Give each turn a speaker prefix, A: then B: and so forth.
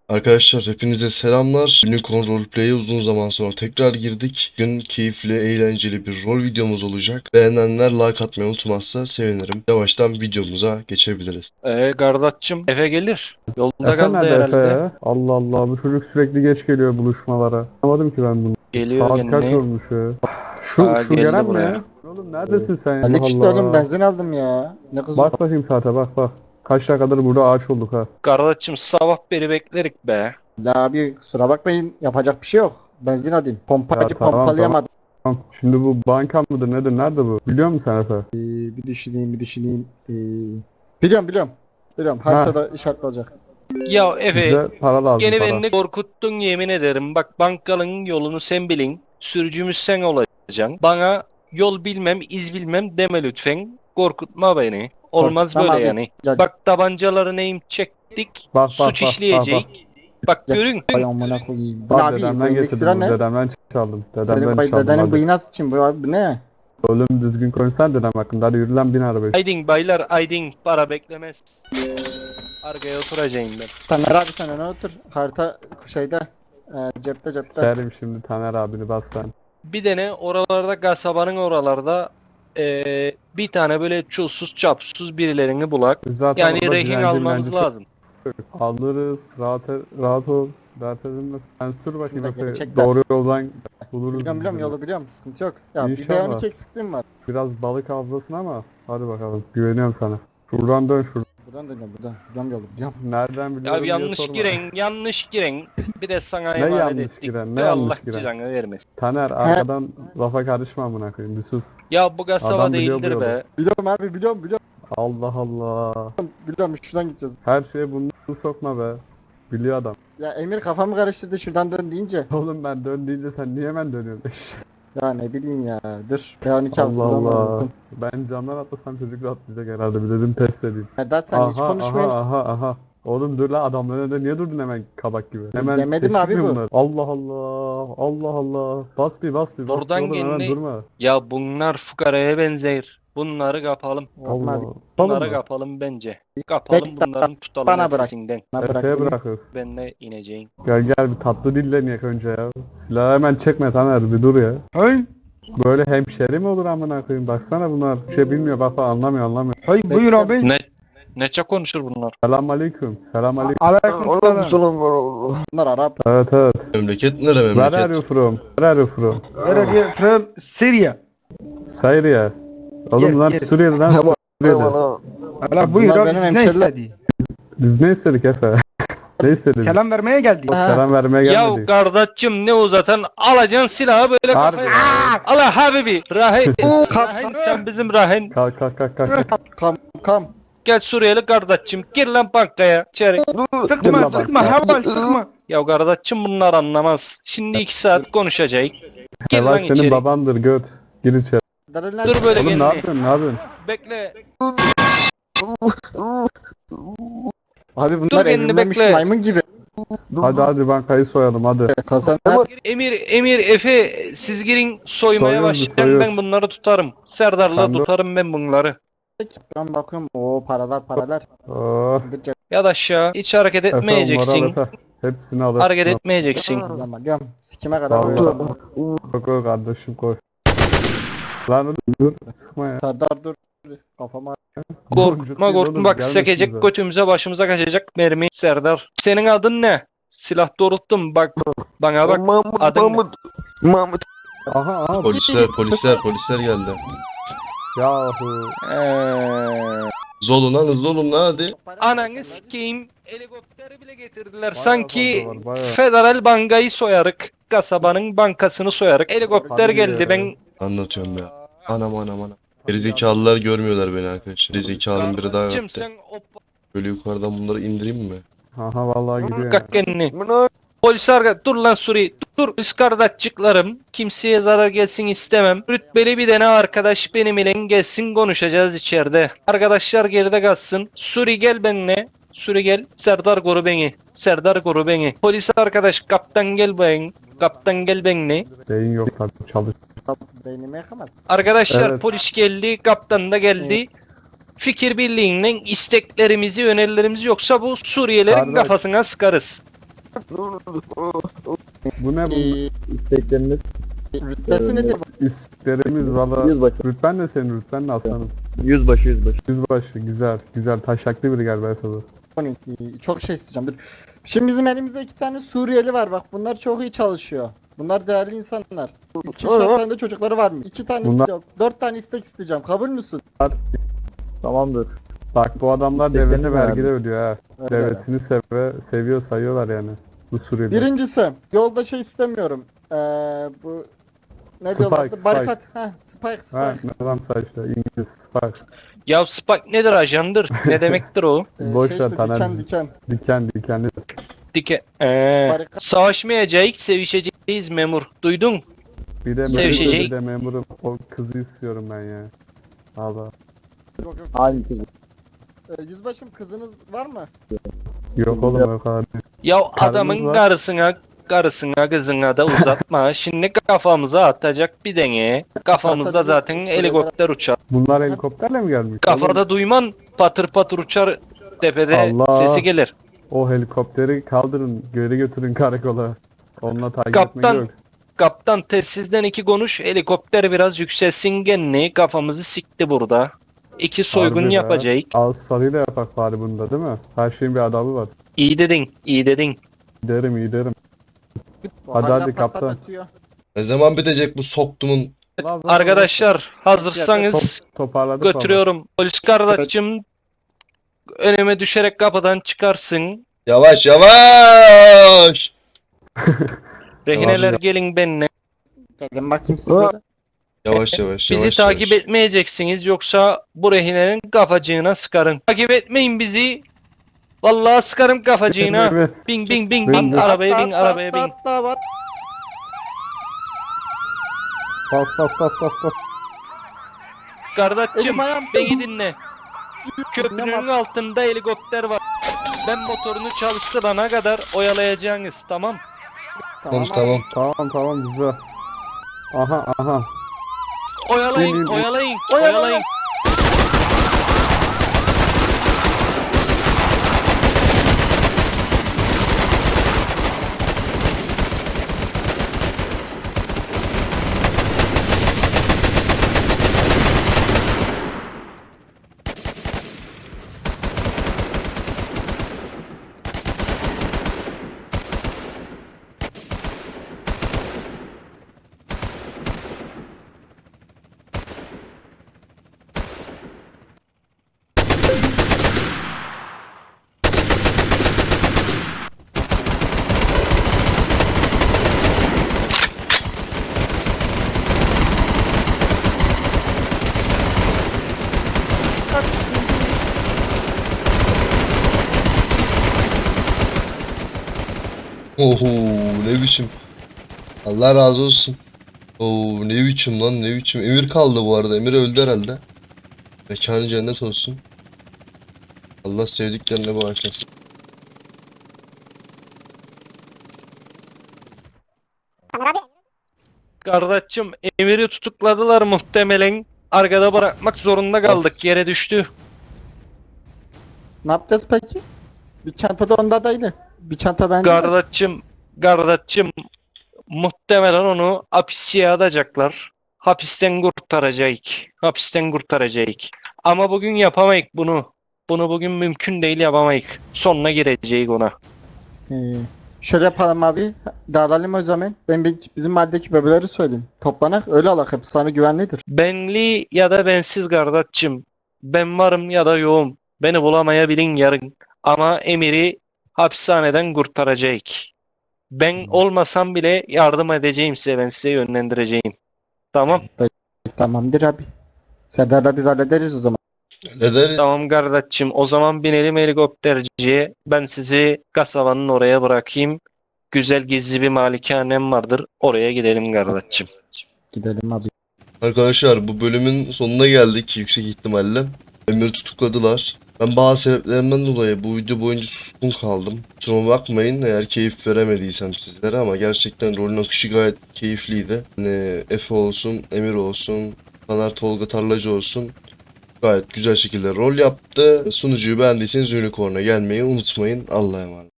A: Arkadaşlar hepinize selamlar. Unicorn Roleplay'e uzun zaman sonra tekrar girdik. Bugün keyifli, eğlenceli bir rol videomuz olacak. Beğenenler like atmayı unutmazsa sevinirim. Yavaştan videomuza geçebiliriz.
B: Kardeşim Efe gelir. Yolda
C: Efe
B: kaldı
C: nerede Efe
B: herhalde.
C: ya? Allah Allah, bu çocuk sürekli geç geliyor buluşmalara. Anlamadım ki ben bunu.
B: Geliyor
C: Saat kaç
B: gene.
C: olmuş ya? Şu
B: Geldi
C: gelen
B: buraya.
C: ne? Oğlum neredesin sen ya?
D: Alex işte
C: Allah
D: oğlum
C: Allah.
D: benzin aldım ya. Ne kızım?
C: Bak bakayım saate, bak. Kaç dakikadır burada ağaç olduk ha.
B: Kardeşim sabah beri beklerik be.
D: La abi kusura bakmayın yapacak bir şey yok. Benzin alayım. Pompacı
C: Ya tamam,
D: pompalayamadım.
C: Tamam. Şimdi bu banka mıdır nedir? Nerede bu? Biliyor musun sen Efe?
D: Bir düşüneyim. Biliyorum. Haritada işaretli olacak.
B: Ya Efe
C: Bize para lazım,
B: gene
C: para.
B: beni korkuttun yemin ederim. Bak bankanın yolunu sen bilin. Sürücümüz sen olacaksın. Bana yol bilmem, iz bilmem deme lütfen. Korkutma beni. Olmaz
D: Korkutmam
B: böyle
D: abi.
B: yani.
D: Ya,
B: Bak tabancaları neyim çektik.
C: Bak,
B: Suç işleyecek. Bak
D: Ya,
B: görün.
D: Ay amına koyayım. Bu ne
C: Bak
D: abi? Bu
C: dedemden
D: elindeki
C: getirdim
D: silah
C: bunu.
D: ne?
C: Dedemden çaldım.
D: Senin
C: Dedemden çaldım
D: dedenin
C: hadi.
D: bıyığı nasıl için bu abi? Bu ne?
C: Oğlum düzgün konuşsana dedem hakkında. Hadi yürü lan bin arabaya.
B: Aydın baylar aydın para beklemez. Arkaya oturacağım ben.
D: Taner abi sen öne otur. Harita şeyde. Cepte.
C: Sikerim şimdi Taner abini bas sen.
B: Bir tane oralarda kasabanın oralarda bir tane böyle çulsuz çapsuz birilerini bulak.
C: Zaten
B: Yani
C: orada
B: rehin
C: dilenci
B: almamız
C: milenci
B: lazım.
C: çok. Alırız. Rahat ol. Dert edinme. Sen sür bakayım
D: Şurada
C: Efe.
D: gelecekler.
C: Doğru yoldan buluruz.
D: Biliyorum
C: biz.
D: yolu biliyorum. Sıkıntı yok. Ya bir
C: İnşallah.
D: B12 eksikliğim var.
C: Biraz balık avlasın ama hadi bakalım. Güveniyorum sana. Şuradan dön şuradan.
D: Buradan dönüyorum buradan. Buradan yolu biliyorum.
C: Nereden biliyorum
B: Ya
C: diye
B: yanlış
C: sorma.
B: yanlış giren. Bir de sana
C: Ne
B: emanet
C: yanlış
B: ettik.
C: giren, ne
B: De
C: yanlış
B: Allah
C: giren?
B: cezanı vermesin.
C: Taner arkadan lafa karışma amına koyayım bir sus.
B: Ya bu kasaba
C: Adam biliyor bu
B: değildir
C: yolu.
B: be.
D: Biliyorum abi biliyorum.
C: Allah Allah.
D: Biliyorum şuradan gideceğiz.
C: Her şeye bunu sokma be. Biliyor adam.
D: Ya Emir kafamı karıştırdı şuradan dön deyince.
C: Oğlum ben dön deyince sen niye hemen dönüyorsun?
D: Ya ne bileyim ya. Dur. B12
C: Allah
D: hafızam var
C: Allah.
D: zaten.
C: Ben camdan atlasam çocuk rahatlayacak herhalde. Bir dedim test edeyim.
D: Serdar sen hiç konuşmayın.
C: Aha. Oğlum dur la adamların önünde niye durdun hemen kabak gibi? Hemen
D: Demedim
C: teşvik
D: abi
C: mi
D: bu.
C: bunlar? Allah. Bas bir.
B: Oradan
C: Oğlum hemen
B: kendine-
C: durma.
B: Ya bunlar fukaraya benzer. Bunları kapalım.
D: Olma abi.
C: Allah.
B: Bunları
C: Tamam mı?
B: kapalım bence. Kapalım
D: Bekle,
B: bunların tutalım
D: bana bırak.
B: ensesinden.
D: Bana bırak
C: Efe'ye
D: beni.
C: bırakır.
B: Ben de ineceğim.
C: Gel bir tatlı dille niyek önce ya. Silahı hemen çekme Taner bir dur ya.
E: Hay,
C: Böyle hemşeri mi olur amına koyayım? Baksana bunlar bir şey bilmiyor bak anlamıyor.
E: hay buyur abi.
B: Neçe konuşur bunlar?
C: Selam aleyküm.
E: Aleykümselam.
D: Bunlar Arap.
C: Evet.
A: Memleket nere
C: Where are
A: memleket?
C: you from? Where are you from?
E: Where are you from? Syria.
C: Syria. Oğlum
E: Yes,
C: lan
E: yes.
C: Suriye'den Suriye'de.
E: Ala buyur
D: Bunlar
E: abi.
D: benim
E: Biz ne
D: hemşeriler.
E: istedi?
C: Biz ne istedik Efe? Ne istedik?
E: Selam vermeye geldik.
D: Ha.
C: Selam vermeye
B: Ya
C: gelmedik.
B: kardeşim ne uzatan alacaksın silahı böyle
C: Harbi
B: kafaya.
C: ya.
B: Allah habibi. Rahin.
D: Kalk,
B: Rahin sen bizim Rahin.
C: Kalk.
D: Kam.
B: Gel Suriyeli kardeşim gir lan bankaya içeri.
E: Sıkma, Haval sıkma.
B: Ya kardeşim bunlar anlamaz. Şimdi 2 saat konuşacak. Gir
C: Heval
B: lan
C: senin
B: içeri.
C: babandır göt. Gir içeri.
B: Dur böyle
C: Oğlum ne
B: kendini.
C: yapıyorsun?
B: Bekle.
D: Abi
B: Dur
D: bunlar
B: kendini
D: evrilmemiş
B: bekle.
D: maymun gibi.
C: Hadi bankayı soyalım hadi.
D: Kasam
B: Emir, Efe siz girin soymaya
C: Soyuyoruz,
B: başlayın
C: soyuyoruz.
B: ben bunları tutarım. Serdar'la
C: Sen de-
B: tutarım ben bunları.
D: Ben bakıyorum. Oo paralar.
C: Oh.
D: İndireceğim.
B: Ya da aşağı hiç hareket
C: Efe onları al
B: etmeyeceksin.
C: Efe. Hepsini al.
B: Hareket etmeyeceksin.
D: Alıyorum. Sikime kadar
C: Vallahi.
D: koyuyorum.
C: Koy kardeşim koy. Lan dur. Sıkma ya.
D: Serdar dur. Kafama.
B: Korkutma bak sekecek götümüze başımıza kaçacak mermi Serdar. Senin adın ne? Silah doğrulttum bak bana bak adın ne?
C: Aha.
A: Polisler geldi.
C: Yahu.
A: Hızlı olun lan hadi.
B: Ananı sikeyim helikopteri bile getirdiler
C: Bayağı
B: sanki
C: fazla var, bayağı.
B: federal bankayı soyarık kasabanın bankasını soyarık helikopter
C: Hadi
B: geldi
C: ya.
B: ben
A: Anlatıyorum ya. Anam. Gerizekalılar görmüyorlar beni arkadaşlar. Gerizekalının biri daha
B: Kardeşim
A: yaptı.
B: sen o
A: Böyle yukarıdan bunları indireyim mi?
C: Aha vallahi gidiyor.
B: kalk kendini. Polis dur lan Suri. Dur polis kardeşçiklarım. Kimseye zarar gelsin istemem. Rütbeli bir tane arkadaş benim ile gelsin konuşacağız içeride. Arkadaşlar geride kalsın. Suri gel benimle. Suri gel. Serdar koru beni. Polis arkadaş kaptan gel benimle.
C: Beyin yok tabii çalış.
D: Beynimi yakamaz.
B: Arkadaşlar
C: Evet.
B: polis geldi. Kaptan da geldi. Fikir birliğiyle isteklerimizi, önerilerimizi yoksa bu Suriyelerin
C: Kardeş.
B: kafasına sıkarız.
C: Bu ne bu?
D: İstekleriniz. Rütbesi nedir?
C: İsteklerimiz valla.
F: Yüzbaşı.
C: Rütben de senin rütben de aslanım.
F: Yüzbaşı.
C: Yüzbaşı güzel. Güzel. Taşaklı biri galiba tabii.
D: 12. Çok şey isteyeceğim. Dur. Şimdi bizim elimizde 2 tane Suriyeli var bak. Bunlar çok iyi çalışıyor. Bunlar değerli insanlar. 2 tane de çocukları var mı? 2 tane
C: Bunlar-
D: istiyorum. 4 tane istek isteyeceğim. Kabul müsün?
F: Tamamdır.
C: Bak bu adamlar
F: İsteklerini
C: devlete vergi de ödüyor ha.
D: Öyle.
C: Devletini seviyor sayıyorlar yani. Bu Suriyeliler.
D: Birincisi yolda şey istemiyorum. Bu ne
C: Spike,
D: diyorlardı?
C: Spike.
D: Barikat. Heh, Spike.
C: Ha ne lan saçta İngiliz Spark.
B: Ya Spike nedir ajandır? Ne demektir o?
C: Boş
D: Şey
C: ver,
D: işte
C: Taner.
D: diken.
C: Dikenli.
B: Dike.
D: Barikat.
B: Savaşmayacağız, sevişeceğiz memur. Duydun? Sevişecek.
C: Bir de memurum. O kızı istiyorum ben ya. Allah.
D: Yok yok.
F: Hangisi?
D: Yüzbaşım kızınız var mı?
C: Yok oğlum o kadar değil.
B: Ya
C: Karımız
B: adamın
C: var.
B: karısına kızına da uzatma. Şimdi kafamıza atacak bir dene. Kafamızda zaten helikopter uçar.
C: Bunlar helikopterle mi gelmiş?
B: Kafada duyman patır patır uçar tepede
C: Allah.
B: sesi gelir.
C: O helikopteri kaldırın, geri götürün karakola. Onunla takip
B: Kaptan.
C: etmek yok.
B: Kaptan telsizden 2 konuş, helikopter biraz yükselsin genli, kafamızı sikti burada. 2 soygun
C: Harbi be.
B: yapacak.
C: Ağız sarıyla yapak bari bunda değil mi? Her şeyin bir adabı var.
B: İyi dedin, iyi dedin.
C: İyi derim. Hadi,
D: Hala
C: hadi,
D: pat pat
C: kaptan.
D: atıyor.
A: Ne zaman bitecek bu soktumun?
B: Arkadaşlar hazırsanız
C: Toparladık
B: götürüyorum. Polis kardeşim önüme düşerek kapıdan çıkarsın.
A: Yavaş yavaş.
B: Rehineler
C: Yavaş.
B: gelin benimle.
D: Gelin bakayım sizlere.
A: Yavaş yavaş
B: Bizi
A: yavaş.
B: takip
A: yavaş.
B: etmeyeceksiniz yoksa bu rehinenin kafacığına sıkarım. Takip etmeyin bizi. Vallahi sıkarım kafacığına.
C: Evet.
B: Bin bin bin
C: Bin,
B: bin
C: bin.
B: arabaya bin
D: Atla,
B: arabaya
D: atla,
B: bin.
D: atla, atla.
C: Bas.
B: Kardeşim
D: Elim ayağım.
B: beni dinle. Köprünün altında helikopter var. Ben motorunu çalıştırana kadar oyalayacaksınız tamam.
A: Tamam.
C: Tamam güzel. Aha.
B: Oyalayın
C: Bin, bin, bin.
B: oyalayın
D: Oyala,
B: oyalayın.
A: Oho ne biçim. Allah razı olsun. Oo ne biçim lan ne biçim. Emir kaldı bu arada. Emir öldü herhalde. Mekanı cennet olsun. Allah sevdiklerine bağışlasın.
B: Kardeşim Emir'i tutukladılar muhtemelen. Arkada bırakmak zorunda kaldık yere düştü.
D: Ne yapacağız peki? Bir çantada ondadaydı. Bir çanta bende.
B: Kardeşim muhtemelen onu hapisçiye atacaklar. Hapisten kurtaracak. Ama bugün yapamayız bunu. Bunu bugün mümkün değil yapamayız. Sonuna gireceğiz ona.
D: Ee, Şöyle yapalım abi. Dağılalım o zaman. Bizim mahalledeki bebeleri söyleyeyim. Toplanak öyle alak. Hep sana güvenlidir.
B: Benli ya da bensiz kardeşim. Ben varım ya da yoğum. Beni bulamayabilin yarın. Ama Emir'i hapishaneden kurtaracak. Ben olmasam bile yardım edeceğim size. Ben size yönlendireceğim. Tamam.
D: Tamamdır abi. Serdar'la biz hallederiz o zaman.
A: Ne der?
B: Tamam kardeşim. O zaman binelim helikopterciye. Ben sizi kasabanın oraya bırakayım. Güzel gizli bir malikanem vardır. Oraya gidelim kardeşim.
D: Gidelim abi.
A: Arkadaşlar bu bölümün sonuna geldik yüksek ihtimalle. Emir'i tutukladılar. Ben bazı sebeplerimden dolayı bu video boyunca suskun kaldım. Kusuruma bakmayın eğer keyif veremediysem sizlere ama gerçekten rolün akışı gayet keyifliydi. Hani Efe olsun, Emir olsun, Taner Tolga Tarlacı olsun. Gayet güzel şekilde rol yaptı. Sunucuyu beğendiyseniz Unicorn'a gelmeyi unutmayın. Allah'a emanet.